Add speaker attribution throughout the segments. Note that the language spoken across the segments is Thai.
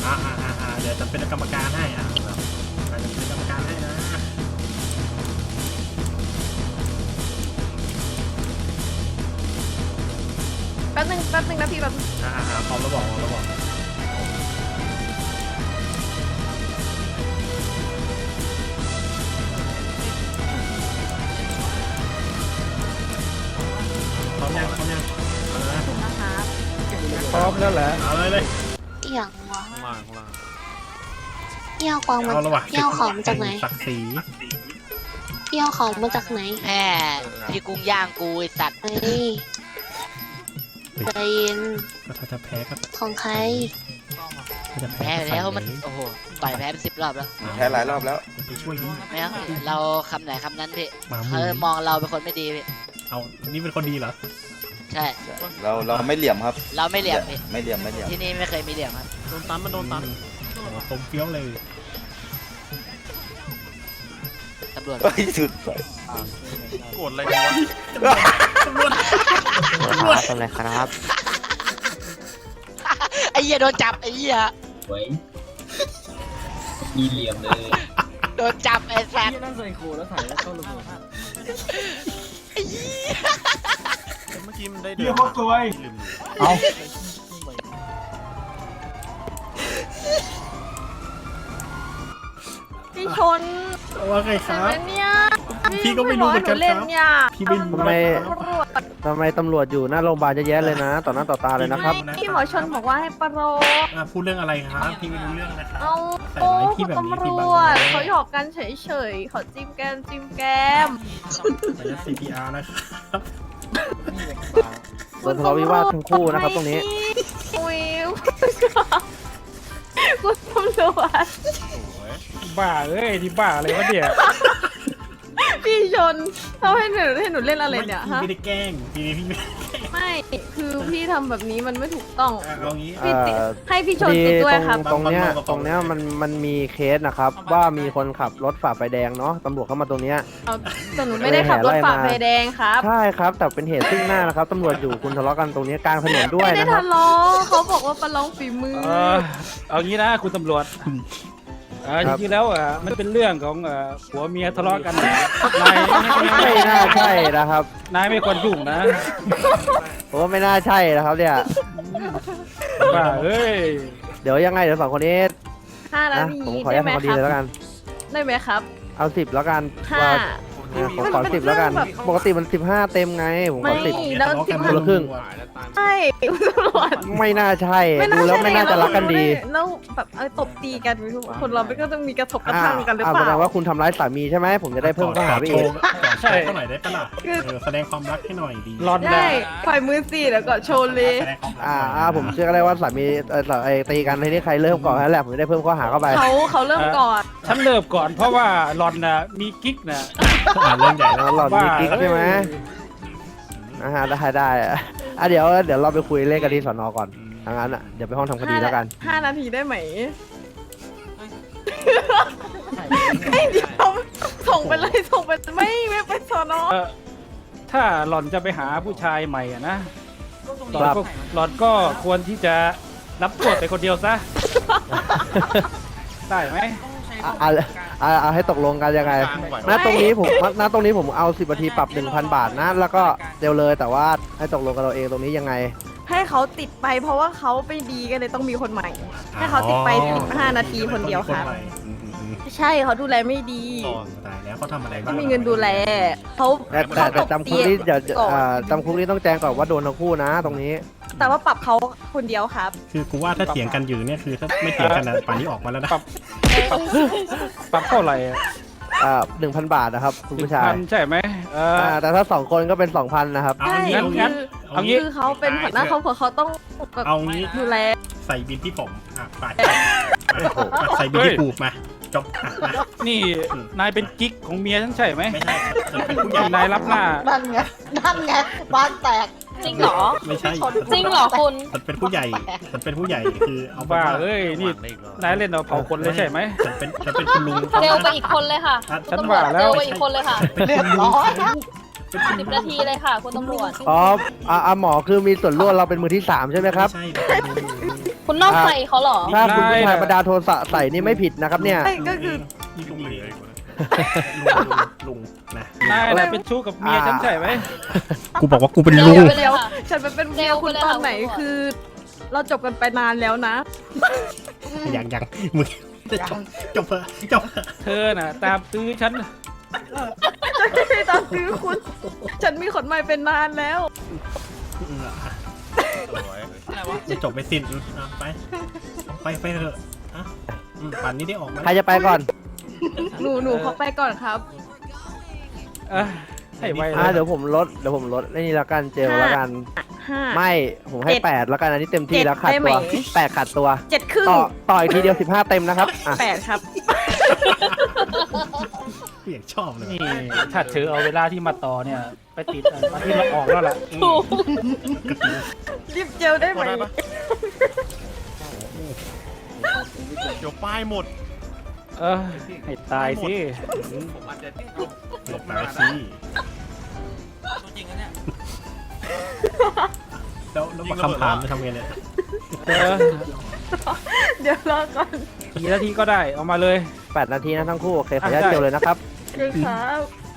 Speaker 1: เดี๋ยวจะเป็นกรรมการให้จะเป็นกรรมการให้นะ
Speaker 2: แป๊บนึงนะพี่แบบ
Speaker 1: พร้อมแล้วบอกพร้อมยังเอาเลยนะ
Speaker 2: นะคะ
Speaker 3: พร้อมแล้วแหละ
Speaker 1: เอาเลย
Speaker 4: เอี่ยงวะ
Speaker 1: ข้างล่าง
Speaker 4: เอี่ยวของมัน
Speaker 1: เอาละวะ
Speaker 4: เอี่ยวของมาจากไหน
Speaker 1: ศักดิ์ศรี
Speaker 4: เอี่ยวของมาจากไหน
Speaker 5: แม่ที่กุ้งย่างกูไอสัตว์
Speaker 4: เฮ้ยใจเย็น
Speaker 1: ก็ถ้าจะแพ้ก็
Speaker 4: ของใคร
Speaker 1: ถ้าจะ
Speaker 5: แพ้ไปแล้วมันโอ้โหต่อยแพ้ไป10 รอบแล้ว
Speaker 3: แพ้หลายรอบแล้ว
Speaker 1: ไปช่วยนี่
Speaker 5: ไม่เอาเราคำไหนคำนั้นพี่
Speaker 1: มา
Speaker 5: เขามองเราเป็นคนไม่ดีพี่
Speaker 1: เอานี่เป็นคนดีเหรอ
Speaker 5: ใช่
Speaker 3: เราไม่เหลี่ยมครับ
Speaker 5: เราไม่เหลี่ยมพี่
Speaker 3: ไม่เหลี่ยม
Speaker 5: ที่นี่ไม่เคยมีเหลี่ยมครับ
Speaker 1: โดนตันตรงเฟี้ยวเลย
Speaker 5: ตำรวจ
Speaker 3: เฮ้ยสุด
Speaker 1: โกรธอะไรกันวะตำรวจ
Speaker 6: ทำอะไรครับ
Speaker 5: ไอ้เหี้ยโดนจับไอ้เหี้ย
Speaker 7: ไว้มีเหลี่ยมเลย
Speaker 5: โดนจับไอ้สัตว์
Speaker 7: ที่นั่นใส่โคแล้วถ่ายแล้วเข้าระเบิด
Speaker 5: ไอ้เหี้ย
Speaker 1: เมื่อกี้มันได้
Speaker 7: เดี๋ยวเขาสวย
Speaker 3: เอา
Speaker 2: พี่ชน
Speaker 1: ว่าไงค
Speaker 2: ใช่
Speaker 1: รั
Speaker 2: ไหม
Speaker 1: บ
Speaker 2: เนี่ย
Speaker 1: พี่ก็ไม่รู้เหมือนกัน
Speaker 2: หเล่น
Speaker 1: ครับ
Speaker 2: เนี่ย
Speaker 1: พี่ไม่รู้
Speaker 6: ทำไม
Speaker 2: ตำรวจ
Speaker 6: ทำไมตำรวจอยู่หน้าโรงพยาบาลเยอะแยะเลยนะ ต่อหน้าต่อตาเลยนะครับ
Speaker 2: พี่หมอชนบอกว่าให้ประโลม
Speaker 1: พูดเรื่องอะไรครับ พี่ไม่รู้เรื่องนะครับ
Speaker 2: เอา
Speaker 1: ใส่
Speaker 2: โอ้
Speaker 1: ร้ายพี่
Speaker 2: คุณ
Speaker 1: แบบนี้
Speaker 2: ตำร
Speaker 1: พี่บัง
Speaker 2: วจ
Speaker 1: เลย
Speaker 2: เขาหยอกกันเฉยๆเขาจิ้มแก้ม
Speaker 1: ไปยัด CPR นะครับ
Speaker 6: โดนทะเลาะวิวาททั้งคู่นะครับตรงนี้
Speaker 2: อุ้ยคุณตำรวจ
Speaker 3: บ้าเอ้ยที่บ้าอะไรวะเนี่ย
Speaker 2: พี่ชนเขาให้หนูเล่นอะไรเนี่ย
Speaker 1: พี่
Speaker 2: ฮะ
Speaker 1: ไม่ได้แกล้งพี่ไม่
Speaker 2: ไม่คือพี่ทำแบบนี้มันไม่ถูกต้อง
Speaker 1: เอางี้
Speaker 2: พี่ติด
Speaker 6: เอ่อ
Speaker 2: ให้พี่ชน
Speaker 6: ดี
Speaker 2: ติดด้วยครับ
Speaker 6: ตรงเนี้ยมันมีเคสนะครับ ว่ามีคนขับรถฝ่าไฟแดงเนาะตำรวจเข้ามาตรงเนี้ย
Speaker 2: เอาแต่หนูไม่ได้ขับรถฝ่าไฟแดงครับ
Speaker 6: ใช่ครับ แต่เป็นเหตุซึ่งหน้านะครับตำรวจอยู่คุณทะเลาะกันตรงนี้กลางถนนด้วย
Speaker 2: ไม่ได้
Speaker 6: นะครับ
Speaker 2: ทะเลาะเขาบอกว่าประลองฝีมือ
Speaker 3: เอางี้นะคุณตำรวจจริงๆแล้วมันเป็นเรื่องของผัวเมียทะเลาะกันนาย
Speaker 6: ไม่น่าใช่นะครับ
Speaker 3: นายไม่ควรยุ่งนะ
Speaker 6: ผมว่าไม่น่าใช่นะครับเนี่ย
Speaker 3: บ้าเอ้ย
Speaker 6: เดี๋ยวยังไงเดี๋ยวสองคนนี้
Speaker 2: 5 นา
Speaker 6: นะ
Speaker 2: ที
Speaker 6: ผมขออนุ
Speaker 2: ได้
Speaker 6: ญาต
Speaker 2: ไหม
Speaker 6: ทำคดี
Speaker 2: ครับ
Speaker 6: เลยแล้วกัน
Speaker 2: ได้ไหมครับ
Speaker 6: เอา10แล้วกัน
Speaker 2: ห้า
Speaker 6: ว่าผมขอ10แล้วกัน
Speaker 2: มัน
Speaker 6: ปกติมัน15เต็มไงผมขอ
Speaker 2: ไม่
Speaker 6: 10
Speaker 2: แล้ว
Speaker 6: คนละครึ่ง
Speaker 2: ใช่คุณตำรวจ
Speaker 6: ไม่น่าใช่ดูแล้วไม่น่าจะรักกันดี
Speaker 2: แล้วแบบตบตีกันคนเราไม่ก็ต้องมีกระทบกระทั่งกันหรือเป
Speaker 6: แสด
Speaker 2: ล่า
Speaker 6: งว่าคุณทำร้ายสามีใช่ไหมผมจะได้เพิ่มข้อหาไปอีก
Speaker 1: ใช่เขาหน่อยได้ปะล่ะแสดงความรักให้หน่อยดี
Speaker 3: รอน
Speaker 2: ได้ปล่อยมือสิแล้วก็โชว์เลย
Speaker 1: แสดงความรัก
Speaker 6: ผมเชื่อก็ได้ว่าสามีตีกันในนี้ใครเริ่มก่อนนั่นแหละผมจะได้เพิ่มข้อหาเข้าไป
Speaker 2: เขาเริ่มก่อน
Speaker 3: ฉันเริ่มก่อนเพราะว่ารอนน่ะมีกิ๊กน่ะ
Speaker 1: เรื่องใหญ่แล้ว
Speaker 6: แล้วหลอดมีกิ๊กใช่ไหมได้เดี๋ยวเราไปคุยเล่นกันที่สนก่อนทางนั้นเดี๋ยวไปห้องทำคดีแล้วกัน
Speaker 2: 5 นาทีได้ไหมไม่เดี๋ยวส่งไปเลยไม่ไปสอนอ
Speaker 3: ถ้าหล่อนจะไปหาผู้ชายใหม่นะหล่อนก็ควรที่จะรับโทษไปคนเดียวซะ ได้ไหม
Speaker 6: เอาให้ตกลงกันยังไงณตรงนี้ผมเอา10 นาทีปรับ 1,000 บาทนะแล้วก็เร็วเลยแต่ว่าให้ตกลงกันเราเองตรงนี้ยังไง
Speaker 2: ให้เขาติดไปเพราะว่าเขาไปดีกันเลยต้องมีคนใหม่ ให้เขาติดไป15 นาทีคนเดียวครับ ใช่เขาดูแลไม่ดี
Speaker 1: ตายแล้วเขาทำอะไรบ้าง
Speaker 2: ไม่มีเงินดูแลเขา
Speaker 6: แต่จำคุกนี้เดี๋ยว
Speaker 2: ก่อน
Speaker 6: จำคุกนี้ต้องแจ้งก่อนว่าโดนทั้งคู่นะตรงนี้
Speaker 2: แต่ว่าปรับเขาคนเดียวครับ
Speaker 1: คือกูว่าถ้าเถียงกันอยู่เนี่ยคือถ้าไม่เถียงกันนะป่านนี้ออกมาแล้วนะ
Speaker 3: ปรับเท่าไหร่
Speaker 6: 1,000 บาทนะครับคุณผู้ชาย
Speaker 3: ใช่ไหม
Speaker 6: แต่ถ้า2 คนก็เป็น 2,000 นะครับ
Speaker 1: เอางี้
Speaker 3: งั้น เอางี้
Speaker 2: คือเขาเป็นหัวหน้าครอบครัวเขาต้องแบบ
Speaker 1: เอางี้
Speaker 2: ดูแล
Speaker 1: ใส่บินที่ผมไปใส่บินที่กูมาจบมา
Speaker 3: นี่นายเป็นกิ๊กของเมียฉันใช่ไหม
Speaker 1: ไม่ใช่ฉันเป็นผู้ใหญ่
Speaker 3: นายรับหน้า
Speaker 4: นั่นไงบ้านแตก
Speaker 2: จริงเหรอ
Speaker 1: ไม่ใช่
Speaker 2: จริงเหรอคุณ
Speaker 1: ฉันเป็นผู้ใหญ่ฉันเป็นผู้ใหญ่คือเอา
Speaker 3: บ้าเอ้ยนี่นายเล่นเอาเผาคนเลยใช่ไหม
Speaker 1: ฉันเป็นคุณลุง
Speaker 2: เร็วไปอีกคนเลยค่ะ
Speaker 3: ฉันว่าแล้ว
Speaker 2: เร็วไปอีกคนเลยค่ะ
Speaker 4: เรียบร้อย
Speaker 2: 10 นาทีเลยค่ะคุณตำรวจ
Speaker 6: อ๋อหมอคือมีส่วนร่วมเราเป็นมือที่ 3 ใช่ไหมครับ
Speaker 1: ใช่
Speaker 4: คุณนอกใจเขาเหรอ
Speaker 6: ถ้าคุณผู้ชายประดาโทสะใส่นี่ไม่ผิดนะครับเนี่ย
Speaker 2: ใช่ก็คือ
Speaker 1: นี่ลุงเหลือลุงนะ
Speaker 3: นายน่ะเป็นชู้กับเมียฉันใช่ไหม
Speaker 1: กูบอกว่ากูเป็นลุง
Speaker 2: เดี๋ยวฉันไปเป็นเมียคุณตอนไหนคือ เราจบกันไปนานแล้วนะ
Speaker 1: ยังมึงจบเถอะจบเถอะ
Speaker 3: เธอน่ะตามตื้อฉัน
Speaker 2: ไม่ได้ตามซื้อคุณ ฉันมีคนใหม่เป็นนานแล้ว
Speaker 1: จะจบไปสิ้นไปเถอะป่านนี้ได้ออกมา
Speaker 6: ใครจะไปก่อน
Speaker 2: หนูเขาไปก่อนครับ
Speaker 3: เอ้ยให้ไวเล
Speaker 6: อ่ะ
Speaker 3: ย
Speaker 6: เดี๋ยวผมลดนี่ละกันเจลละกัน
Speaker 2: 5
Speaker 6: ไม่ผมให้
Speaker 2: 7
Speaker 6: 8แล้วกันอันนี้เต็มที่แล้วขาด
Speaker 2: ได้ไหม
Speaker 6: ตัว8ขาดตัว
Speaker 2: 7 ครึ่ง
Speaker 6: ต่ออีกทีเดียว15เต็มนะครับอ่ะ
Speaker 2: 8 ครับ
Speaker 1: กูอยากชอบเลย
Speaker 3: นี่ถ้าเธอเอาเวลาที่มาต่อเนี่ย ไปติดมาที่เราออกแล้วล่ะ
Speaker 2: รีบเจลได้ไหม
Speaker 8: เดี๋ยวป้ายหมด
Speaker 3: เออให้ตายสิ
Speaker 1: หลบไปสิแล้วมาคำถามจะทำไงเนี่ย
Speaker 3: เออ
Speaker 2: เดี๋ยวรอก่อน
Speaker 3: กี่นาทีก็ได้เอามาเลย
Speaker 6: 8นาทีนะทั้งคู่โอเคขออนุญาตเจลเลยนะครับ
Speaker 2: เลยครับ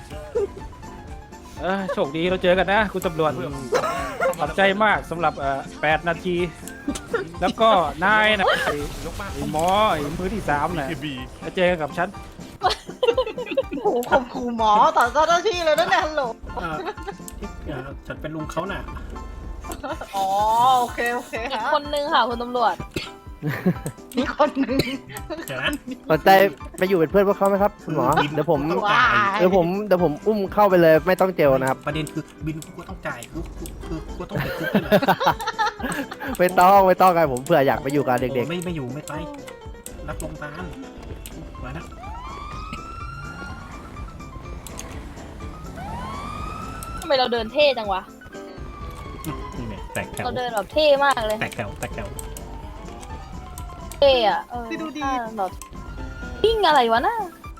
Speaker 3: โชคดีเราเจอกันนะ คุณตำรวจขอบใจมากสำหรับ8 นาที แล้วก็นายนะไอ้หมอไอ้มือที่3น่ะจะเจอกันกับฉัน
Speaker 4: โอ้โหข่มขู่หมอต่อเจ้าหน้าที่เลยนะเนี่ยฮัลโหล
Speaker 1: ฉันเป็นลุงเขาน่ะ
Speaker 4: อ๋อโอเคโอเค
Speaker 9: อีก
Speaker 4: ฮะ
Speaker 9: คนนึงค่ะคุณตำรวจ
Speaker 4: มีคนหนึ่ง
Speaker 1: เดี๋ยวนะ
Speaker 6: สนใจไปอยู่เป็นเพื่อนพวกเขาไหมครับคุณหมอเดี๋ยวผม
Speaker 4: ว้าย
Speaker 6: เดี๋ยวผมอุ้มเข้าไปเลยไม่ต้องเจลนะครับ
Speaker 1: ประเด็นคือบินกูก็ต้องจ่ายกูต้องติดคุกด้วยนะ
Speaker 6: ไม่ต้องกันผมเผื่ออยากไปอยู่กับเด็ก
Speaker 1: ไม่อยู่ไม่ไปรับลงตาลมานะ
Speaker 9: ทำไมเราเดินเท่จังวะ
Speaker 1: นี่เนี่ยแตกแถว
Speaker 9: เราเดินแบบเท่มากเลย
Speaker 1: แตกแถว
Speaker 9: เท่อะดูดีแบบวิ่งอะไรวะน่ะ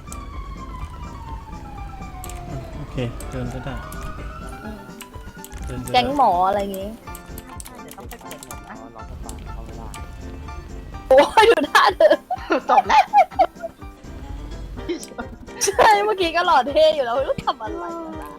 Speaker 1: โอเคเดินก็ได้
Speaker 9: แก๊งหมออะไรอย่างงี้ โอ้ยดูท่าเธอ
Speaker 4: จบแล้ว
Speaker 9: ใช่เมื่อกี้ก็หล่อเท่อยู่แล้วไม่รู้ทำอะไรวะ